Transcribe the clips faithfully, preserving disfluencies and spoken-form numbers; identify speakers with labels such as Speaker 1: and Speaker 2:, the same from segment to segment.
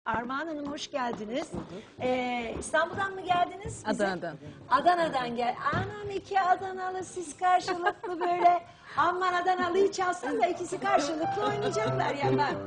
Speaker 1: Armağan Hanım hoş geldiniz. Ee, İstanbul'dan mı geldiniz? bize?
Speaker 2: Adana'dan.
Speaker 1: Adana'dan gel. Anam iki Adanalı siz karşılıklı böyle. Aman Adanalı'yı çalsan da ikisi karşılıklı oynayacaklar ya ben.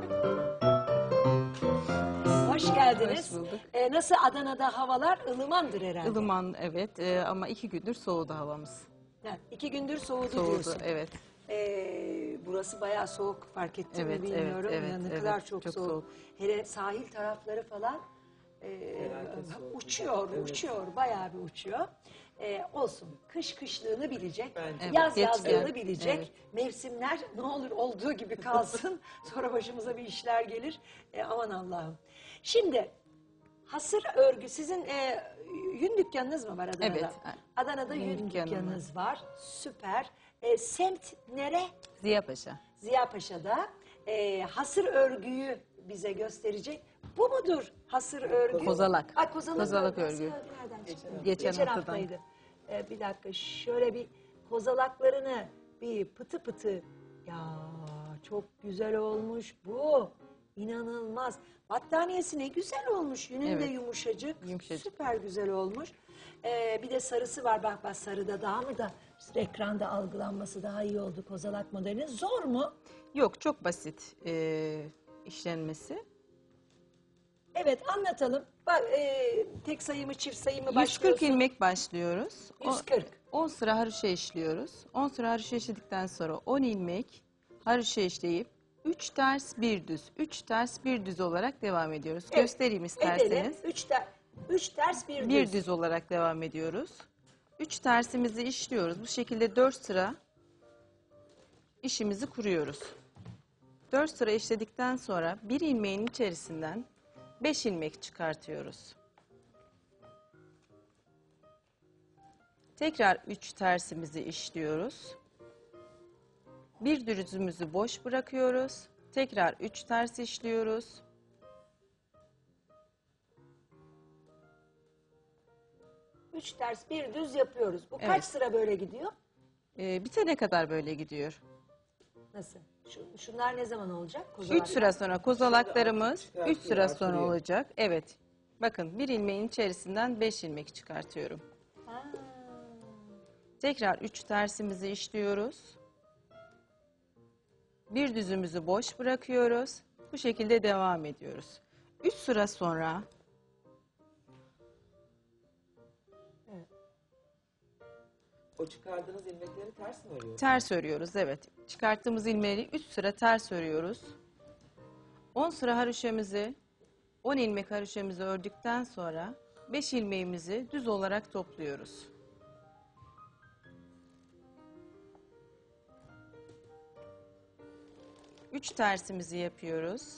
Speaker 1: Hoş geldiniz.
Speaker 2: Hoş bulduk.
Speaker 1: Ee, nasıl Adana'da havalar ılımandır herhalde.
Speaker 2: Ilıman evet e, ama iki gündür soğudu havamız.
Speaker 1: Ha, iki gündür soğudu,
Speaker 2: Soğudu
Speaker 1: diyorsun.
Speaker 2: evet.
Speaker 1: Ee, burası bayağı soğuk, fark ettim
Speaker 2: Evet,
Speaker 1: mi
Speaker 2: evet,
Speaker 1: bilmiyorum.
Speaker 2: evet,
Speaker 1: ya ne
Speaker 2: evet.
Speaker 1: kadar çok,
Speaker 2: Çok
Speaker 1: soğuk.
Speaker 2: soğuk.
Speaker 1: Hele sahil tarafları falan e, uçuyor, uçuyor, bayağı bir uçuyor. Ee, olsun, kış kışlığını bilecek,
Speaker 2: Evet,
Speaker 1: yaz
Speaker 2: geç
Speaker 1: yazlığını
Speaker 2: geldi.
Speaker 1: bilecek.
Speaker 2: Evet.
Speaker 1: Mevsimler ne olur olduğu gibi kalsın. Sonra başımıza bir işler gelir. E, aman Allah'ım. Şimdi hasır örgü, sizin e, yün dükkanınız mı var Adana'da?
Speaker 2: Evet.
Speaker 1: Adana'da
Speaker 2: Yün
Speaker 1: yün
Speaker 2: dükkanım
Speaker 1: dükkanınız var. Süper. E, semt nere?
Speaker 2: Ziya Paşa.
Speaker 1: Ziya Paşa'da. E, hasır örgüyü bize gösterecek. Bu mudur hasır örgü?
Speaker 2: Kozalak.
Speaker 1: Ay, kozalak,
Speaker 2: Kozalak
Speaker 1: örgü.
Speaker 2: örgü.
Speaker 1: Hasır örgü nereden çıktı?
Speaker 2: Geçen haftadan.
Speaker 1: haftaydı. E, bir dakika şöyle bir kozalaklarını bir pıtı pıtı. Ya çok güzel olmuş bu. İnanılmaz. Battaniyesi ne güzel olmuş. Yünün de
Speaker 2: Evet.
Speaker 1: yumuşacık.
Speaker 2: Yumuşacık.
Speaker 1: Süper güzel olmuş. Ee, bir de sarısı var. Bak bak sarıda daha mı da ekranda algılanması daha iyi oldu kozalak modelinin. Zor mu?
Speaker 2: Yok çok basit e, işlenmesi.
Speaker 1: Evet anlatalım. Bak, e, tek sayı mı çift sayı mı
Speaker 2: yüz
Speaker 1: başlıyorsun?
Speaker 2: kırk ilmek başlıyoruz. O-
Speaker 1: yüz kırk.
Speaker 2: on sıra haroşa işliyoruz. on sıra haroşa işledikten sonra on ilmek haroşa işleyip üç ters bir düz, üç ters bir düz olarak devam ediyoruz.
Speaker 1: Evet,
Speaker 2: Göstereyim
Speaker 1: Edelim.
Speaker 2: isterseniz.
Speaker 1: Üç, ter, üç ters bir,
Speaker 2: Bir
Speaker 1: düz.
Speaker 2: düz olarak devam ediyoruz. Üç tersimizi işliyoruz. Bu şekilde dört sıra işimizi kuruyoruz. Dört sıra işledikten sonra bir ilmeğin içerisinden beş ilmek çıkartıyoruz. Tekrar üç tersimizi işliyoruz. Bir düzümüzü boş bırakıyoruz. Tekrar üç ters işliyoruz.
Speaker 1: Üç ters bir düz yapıyoruz. Bu kaç
Speaker 2: Evet.
Speaker 1: sıra böyle gidiyor?
Speaker 2: Ee, bitene kadar böyle gidiyor.
Speaker 1: Nasıl? Şu, şunlar ne zaman olacak?
Speaker 2: Üç
Speaker 1: Kozalaklar.
Speaker 2: sıra sonra kozalaklarımız
Speaker 3: Çıkartıyor,
Speaker 2: üç sıra sonra
Speaker 3: artırıyor.
Speaker 2: olacak. Evet. Bakın bir ilmeğin içerisinden beş ilmek çıkartıyorum.
Speaker 1: Ha.
Speaker 2: Tekrar üç tersimizi işliyoruz. Bir düzümüzü boş bırakıyoruz. Bu şekilde devam ediyoruz. Üç sıra sonra
Speaker 3: O çıkardığınız ilmekleri ters mi örüyorsunuz?
Speaker 2: ters örüyoruz. Evet. Çıkarttığımız ilmeği üç sıra ters örüyoruz. on sıra haroşamızı, on ilmek haroşamızı ördükten sonra beş ilmeğimizi düz olarak topluyoruz. üç tersimizi yapıyoruz.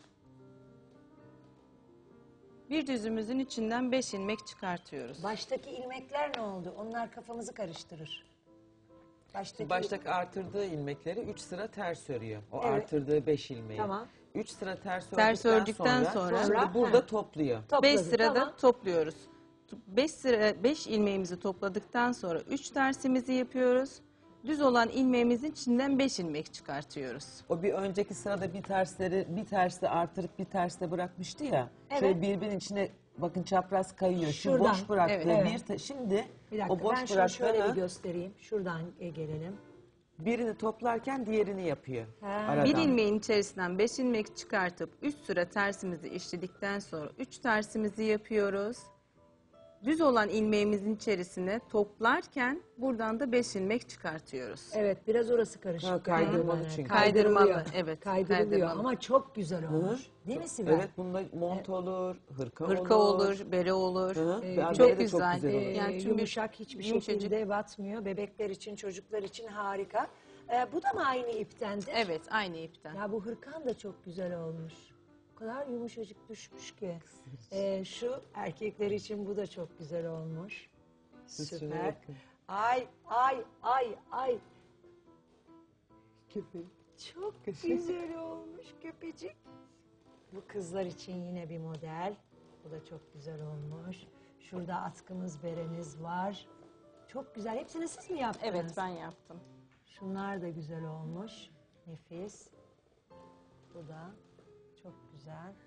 Speaker 2: Bir düzümüzün içinden beş ilmek çıkartıyoruz.
Speaker 1: Baştaki ilmekler ne oldu? Onlar kafamızı karıştırır. Baştaki
Speaker 3: Baştaki artırdığı ilmekleri üç sıra ters örüyor. O
Speaker 1: Evet.
Speaker 3: artırdığı beş ilmeği.
Speaker 1: Tamam.
Speaker 3: üç sıra ters ördükten,
Speaker 2: Ters ördükten sonra-
Speaker 3: şimdi
Speaker 1: Sonra-
Speaker 3: burada
Speaker 1: Ha.
Speaker 3: topluyor.
Speaker 1: topladı.
Speaker 2: beş sırada
Speaker 1: Tamam.
Speaker 2: topluyoruz. beş sıra beş ilmeğimizi topladıktan sonra üç tersimizi yapıyoruz. Düz olan ilmeğimizin içinden beş ilmek çıkartıyoruz.
Speaker 3: O bir önceki sırada bir tersleri bir tersle artırıp bir tersle bırakmıştı ya.
Speaker 1: Evet.
Speaker 3: Şöyle birbirinin içine bakın çapraz kayıyor. Şu
Speaker 1: Şuradan.
Speaker 3: boş bıraktığı
Speaker 2: Evet.
Speaker 3: bir te- şimdi
Speaker 1: Bir dakika
Speaker 3: o boş
Speaker 1: ben şunu şöyle bir
Speaker 3: bıraktığını
Speaker 1: göstereyim. Şuradan e, gelelim.
Speaker 3: birini toplarken diğerini yapıyor.
Speaker 1: Ha.
Speaker 3: Aradan.
Speaker 2: Bir ilmeğin içerisinden beş ilmek çıkartıp üç sıra tersimizi işledikten sonra üç tersimizi yapıyoruz. Düz olan ilmeğimizin içerisine toplarken buradan da beş ilmek çıkartıyoruz.
Speaker 1: Evet biraz orası karışık.
Speaker 3: Ha, kaydırmalı
Speaker 1: galiba.
Speaker 3: çünkü.
Speaker 2: Kaydırmalı,
Speaker 1: Kaydırılıyor.
Speaker 2: evet,
Speaker 1: Kaydırılıyor
Speaker 2: kaydırmalı.
Speaker 1: ama çok güzel
Speaker 3: Hı?
Speaker 1: olmuş. Değil mi Sibel?
Speaker 3: Evet bunda mont olur, hırka,
Speaker 2: Hırka olur, bere olur.
Speaker 3: Hı?
Speaker 1: Ee,
Speaker 3: Bere
Speaker 2: çok
Speaker 3: de
Speaker 2: güzel.
Speaker 3: Çok güzel olur.
Speaker 1: Ee,
Speaker 2: Yani çünkü
Speaker 1: yumuşak hiçbir
Speaker 2: yumuşacık.
Speaker 1: şekilde batmıyor. Bebekler için, çocuklar için harika. Ee, bu da mı aynı iptendir?
Speaker 2: Evet, aynı ipten.
Speaker 1: Ya bu hırkan da çok güzel olmuş. O kadar yumuşacık düşmüş ki. Ee, şu erkekler için bu da çok güzel olmuş.
Speaker 3: Siz şuna
Speaker 1: Süper.
Speaker 3: bakın.
Speaker 1: Ay ay ay ay.
Speaker 3: Köpek.
Speaker 1: Çok güzel olmuş köpecik. Bu kızlar için yine bir model. Bu da çok güzel olmuş. Şurada atkımız, beremiz var. Çok güzel. Hepsini siz mi yaptınız?
Speaker 2: Evet, ben yaptım.
Speaker 1: Şunlar da güzel olmuş. Nefis. Bu da çok güzel.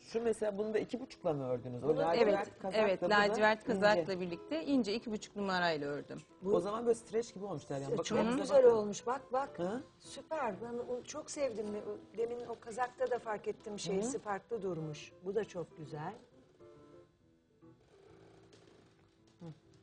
Speaker 3: Şu mesela bunu da iki buçukla mı ördünüz? O
Speaker 1: Bunu-
Speaker 3: lacivert
Speaker 2: Evet,
Speaker 3: kazakla
Speaker 2: evet.
Speaker 3: bu da
Speaker 2: Lacivert
Speaker 3: ince.
Speaker 2: kazakla birlikte ince iki buçuk numarayla ördüm.
Speaker 3: O zaman böyle streç gibi olmuş Derya. Bakın
Speaker 1: Çok
Speaker 3: elinize
Speaker 1: güzel
Speaker 3: bakın.
Speaker 1: olmuş. Bak bak.
Speaker 3: Hı?
Speaker 1: Süper. Ben onu çok sevdim. Demin o kazakta da fark ettim şeysi farklı durmuş. Bu da çok güzel. Hı.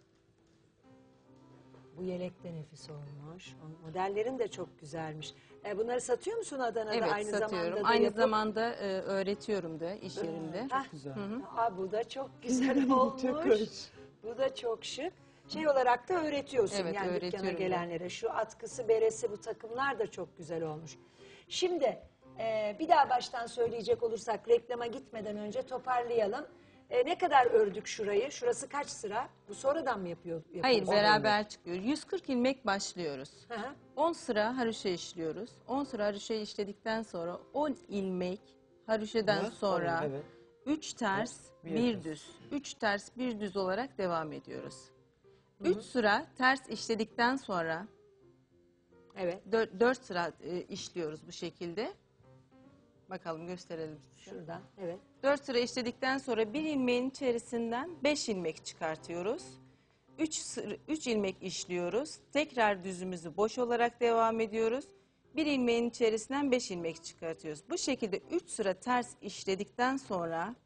Speaker 1: Bu yelek de nefis olmuş. O modellerin de çok güzelmiş. E, bunları satıyor musun Adana'da?
Speaker 2: Evet,
Speaker 1: aynı
Speaker 2: satıyorum.
Speaker 1: zamanda da
Speaker 2: Aynı
Speaker 1: yapıp-
Speaker 2: zamanda e, öğretiyorum da iş yerinde.
Speaker 1: Hah.
Speaker 3: Güzel.
Speaker 1: Aa, bu da çok güzel olmuş.
Speaker 3: Çok hoş.
Speaker 1: Bu da çok şık. Şey olarak da öğretiyorsun
Speaker 2: Evet,
Speaker 1: yani dükkana
Speaker 2: öğretiyorum da.
Speaker 1: gelenlere. Şu atkısı, beresi, bu takımlar da çok güzel olmuş. Şimdi e, bir daha baştan söyleyecek olursak reklama gitmeden önce toparlayalım. E, ne kadar ördük şurayı? Şurası kaç sıra? Bu sonradan mı yapıyor?
Speaker 2: Hayır,
Speaker 1: yapıyoruz?
Speaker 2: beraber çıkıyor. yüz kırk ilmek başlıyoruz.
Speaker 1: Hı hı.
Speaker 2: on sıra haroşa işliyoruz. on sıra haroşa işledikten sonra on ilmek haroşadan
Speaker 3: Hı,
Speaker 2: sonra
Speaker 3: tamam, evet.
Speaker 2: üç ters,
Speaker 3: bir
Speaker 2: bir
Speaker 3: düz.
Speaker 2: düz. üç ters, bir düz olarak devam ediyoruz. üç sıra ters işledikten sonra
Speaker 1: Evet.
Speaker 2: dört sıra e, işliyoruz bu şekilde. Bakalım gösterelim size.
Speaker 1: Şuradan. Evet.
Speaker 2: dört sıra işledikten sonra bir ilmeğin içerisinden beş ilmek çıkartıyoruz. üç ilmek işliyoruz. Tekrar düzümüzü boş olarak devam ediyoruz. Bir ilmeğin içerisinden beş ilmek çıkartıyoruz. Bu şekilde üç sıra ters işledikten sonra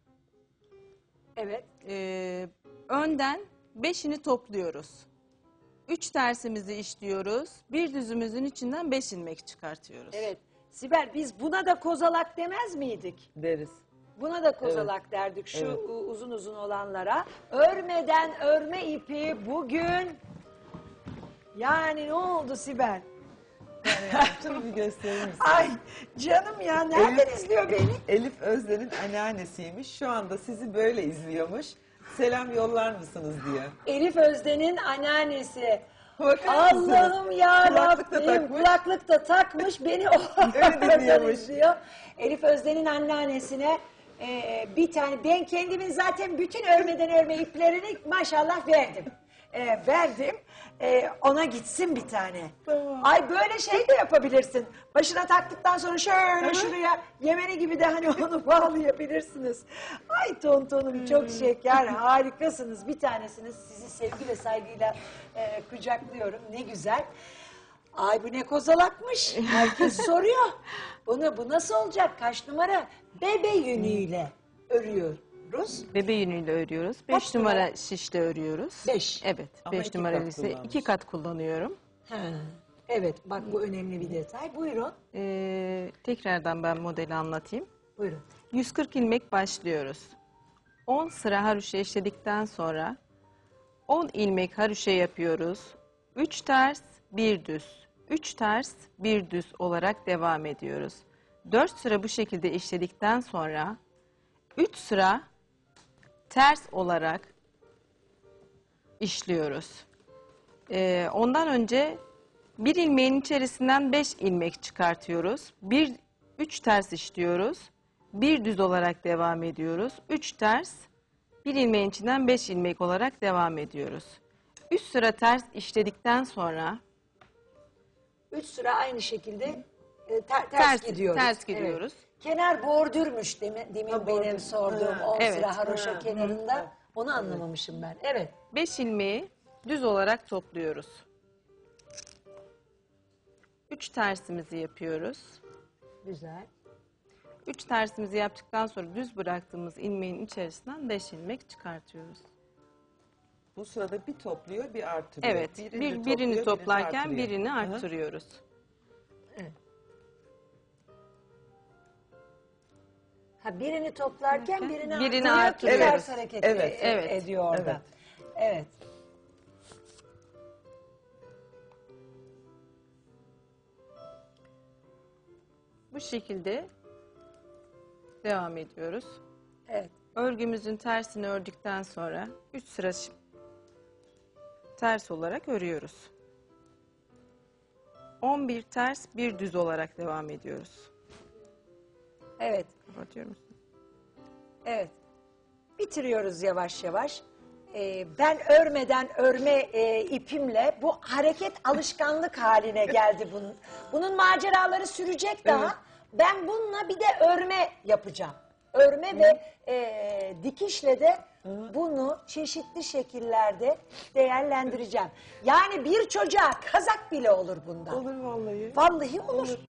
Speaker 1: Evet.
Speaker 2: e, önden beşini topluyoruz. üç tersimizi işliyoruz. Bir düzümüzün içinden beş ilmek çıkartıyoruz.
Speaker 1: Evet. Sibel biz buna da kozalak demez miydik?
Speaker 3: Deriz.
Speaker 1: Buna da kozalak derdik şu
Speaker 3: Evet.
Speaker 1: u- uzun uzun olanlara. Örmeden örme ipi bugün yani ne oldu Sibel?
Speaker 3: Şunu bir gösterir misin?
Speaker 1: Ay canım ya nereden izliyor beni?
Speaker 3: Elif Özden'in anneannesiymiş. Şu anda sizi böyle izliyormuş. Selam yollar mısınız diye.
Speaker 1: Elif Özden'in anneannesi.
Speaker 3: Bakar mısınız?
Speaker 1: Allah'ım ya
Speaker 3: Kulaklık da
Speaker 1: Rabbim
Speaker 3: takmış.
Speaker 1: kulaklık da takmış beni o
Speaker 3: Öyle dinliyormuş.
Speaker 1: izliyor. Elif Özden'in anneannesine e, bir tane ben kendimin zaten bütün örmeden örme iplerini maşallah verdim. E, verdim. E, ona gitsin bir tane.
Speaker 3: Tamam.
Speaker 1: Ay böyle şey de yapabilirsin. Başına taktıktan sonra şöyle şuraya Yemeni gibi de hani onu bağlayabilirsiniz. Ay tontonum çok şeker harikasınız. Bir tanesiniz sizi sevgi ve saygıyla e, kucaklıyorum. Ne güzel. Ay bu ne kozalakmış. Herkes soruyor. Bunu bu nasıl olacak? Kaç numara? Bebe yünüyle örüyoruz.
Speaker 2: Bebe yünüyle örüyoruz.
Speaker 1: Kaç
Speaker 2: beş numara
Speaker 1: numara?
Speaker 2: şişle örüyoruz.
Speaker 1: Beş.
Speaker 2: Evet.
Speaker 3: Ama
Speaker 2: beş
Speaker 3: iki
Speaker 2: numaralı
Speaker 3: kat
Speaker 2: ise
Speaker 3: kullanmış.
Speaker 2: iki kat kullanıyorum.
Speaker 1: Ha. Evet bak bu önemli bir detay. Buyurun.
Speaker 2: Ee, tekrardan ben modeli anlatayım.
Speaker 1: Buyurun.
Speaker 2: yüz kırk ilmek başlıyoruz. on sıra haroşa işledikten sonra on ilmek haroşa yapıyoruz. üç ters, bir düz. üç ters, bir düz olarak devam ediyoruz. dört sıra bu şekilde işledikten sonra üç sıra ters olarak işliyoruz. Ee, ondan önce bir ilmeğin içerisinden beş ilmek çıkartıyoruz. Bir, üç ters işliyoruz. Bir düz olarak devam ediyoruz. Üç ters, bir ilmeğin içinden beş ilmek olarak devam ediyoruz. Üç sıra ters işledikten sonra
Speaker 1: Üç sıra aynı şekilde e, ter- ters,
Speaker 2: Ters-
Speaker 1: gidiyoruz.
Speaker 2: ters gidiyoruz.
Speaker 1: Evet. Kenar bordürmüş demin, demin
Speaker 3: Ha,
Speaker 1: benim
Speaker 3: bordür.
Speaker 1: sorduğum
Speaker 3: Ha,
Speaker 1: on
Speaker 2: evet.
Speaker 1: sıra haroşa
Speaker 3: Ha,
Speaker 1: kenarında.
Speaker 3: hı,
Speaker 1: Onu anlamamışım ben. Evet.
Speaker 2: beş ilmeği düz olarak topluyoruz. Üç tersimizi yapıyoruz.
Speaker 1: Güzel.
Speaker 2: Üç tersimizi yaptıktan sonra düz bıraktığımız ilmeğin içerisinden beş ilmek çıkartıyoruz.
Speaker 3: Bu sırada bir topluyor, bir artırıyor.
Speaker 2: Evet,
Speaker 3: Birini
Speaker 2: bir,
Speaker 3: topluyor,
Speaker 2: birini toplarken
Speaker 3: artırıyor.
Speaker 2: birini
Speaker 3: Hı.
Speaker 2: arttırıyoruz.
Speaker 1: Evet. Ha birini toplarken
Speaker 2: Derken
Speaker 1: birini,
Speaker 2: birini
Speaker 1: artırıyor ki
Speaker 2: artırıyoruz.
Speaker 1: ters hareket
Speaker 3: Evet,
Speaker 1: e-
Speaker 2: evet,
Speaker 1: ediyor orada. Evet.
Speaker 2: Bu şekilde devam ediyoruz.
Speaker 1: Evet.
Speaker 2: Örgümüzün tersini ördükten sonra üç sıra şi- ters olarak örüyoruz. on bir ters, bir düz olarak devam ediyoruz.
Speaker 1: Evet.
Speaker 2: Kapatıyorum.
Speaker 1: Evet. Bitiriyoruz yavaş yavaş. Ee, ben örmeden örme e, ipimle bu hareket alışkanlık haline geldi bunun. Bunun maceraları sürecek daha. Ben bununla bir de örme yapacağım. örme ve e, dikişle de bunu çeşitli şekillerde değerlendireceğim. Yani bir çocuğa kazak bile olur bundan.
Speaker 3: Olur vallahi.
Speaker 1: Vallahi olur.
Speaker 3: Olur.